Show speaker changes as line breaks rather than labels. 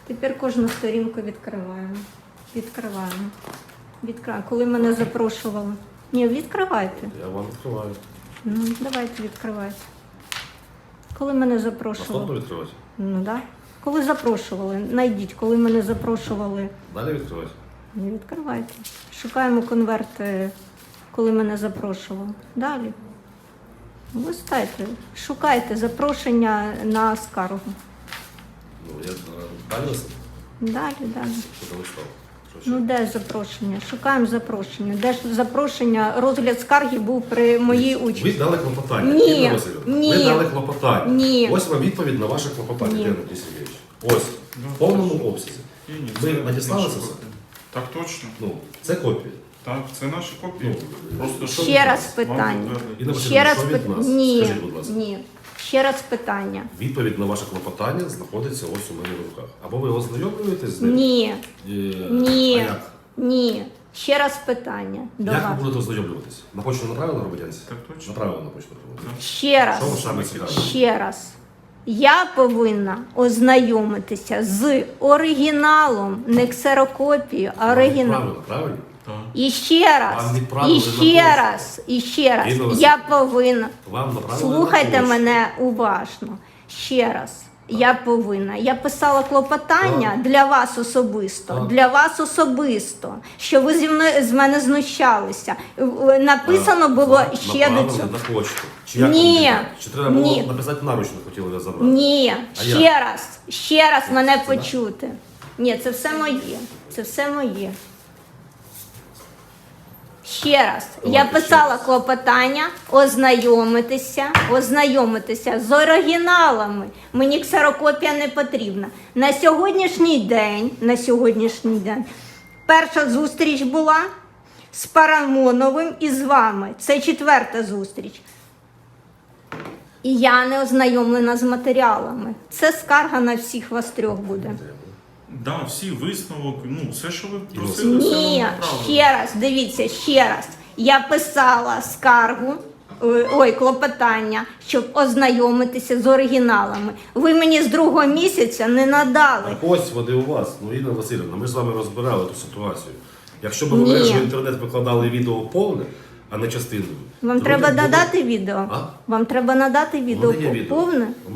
Тепер кожну сторінку відкриваємо. Відкриваємо. Коли мене запрошували. Ні, відкривайте.
Я вам відкриваю.
Ну, давайте відкривайте. Коли мене запрошували.
Наступно відкривати?
Ну, так. Коли запрошували, найдіть, коли мене запрошували.
Далі відкривати?
Не відкривайте. Шукаємо конверти, коли мене запрошували. Далі. Листайте, шукайте запрошення на скаргу.
Ну, я далі листав?
Далі.
Що ти листав? Що
Ну, де запрошення? Шукаємо запрошення. Де ж запрошення? Розгляд скарги був при моїй
Ви
участі.
дали клопотання.
Ні.
Інна Василівна,
Ні.
ви дали клопотання.
Ні.
Ось вам відповідь на ваше клопотання,
Ні.
Дмитро Сергійович. Ось, в повному обсязі.
Ні,
Ви
це
надіслали
наші
це все?
копії. Так точно.
Ну, це копія.
Так, це наші копії. Просто
Ще раз
вам
питання.
підтвердити.
Інна
Ще
Василівна,
раз
що від нас?
Ні.
Скажіть, будь ласка.
Ні. Ще раз питання.
Відповідь на ваше клопотання знаходиться ось у мене в руках. Або ви ознайомлюєтесь з ним?
Ні.
Е,
Ні.
А як?
Ні. Ще раз питання до
Як ви
вас.
будете ознайомлюватись? На почту направили громадянці?
Так точно.
Направили на почту громадянці.
Ще раз.
Що вам саме цікаве?
Ще раз. Я повинна ознайомитися з оригіналом, не ксерокопією, а оригіналом.
Правильно, правильно?
Так.
І ще раз,
Вам відправили
і
на
ще
пошту.
раз, і ще раз.
Інна Василівна,
Я повинна.
Вам направили
Слухайте
на почту.
мене уважно. Ще раз. Я повинна. Я писала клопотання
Так.
для вас особисто.
Так.
Для вас особисто. Що ви з мене знущалися. Написано було
Вам
ще до
направили
цього.
на почту. Чи як
Ні.
вам відправили? Чи треба було
Ні.
написати наручно, хотіли ви забрати?
Ні,
А
ще раз мене
Це
почути. Ні, це все моє. Це все моє. Ще раз.
Давайте
Я
ще
писала
раз.
клопотання ознайомитися з оригіналами. Мені ксерокопія не потрібна. На сьогоднішній день перша зустріч була з Парамоновим і з вами. Це 4-та зустріч. І я не ознайомлена з матеріалами. Це скарга на всіх вас трьох буде.
Да, всі висновок, ну, все, що ви просили, все
Ні,
вам направили.
ще раз, дивіться, ще раз. Я писала скаргу, клопотання, щоб ознайомитися з оригіналами. Ви мені з 2-го місяця не надали.
Так ось вони у вас. Ну, Інна Васильівна, ми ж з вами розбирали ту ситуацію. Якщо б ви
Ні.
в мережу інтернет викладали відео повне, а не частиною.
Вам
то
треба
люди будуть-
надати відео?
А?
Вам треба надати відео
мене є відео.
повне?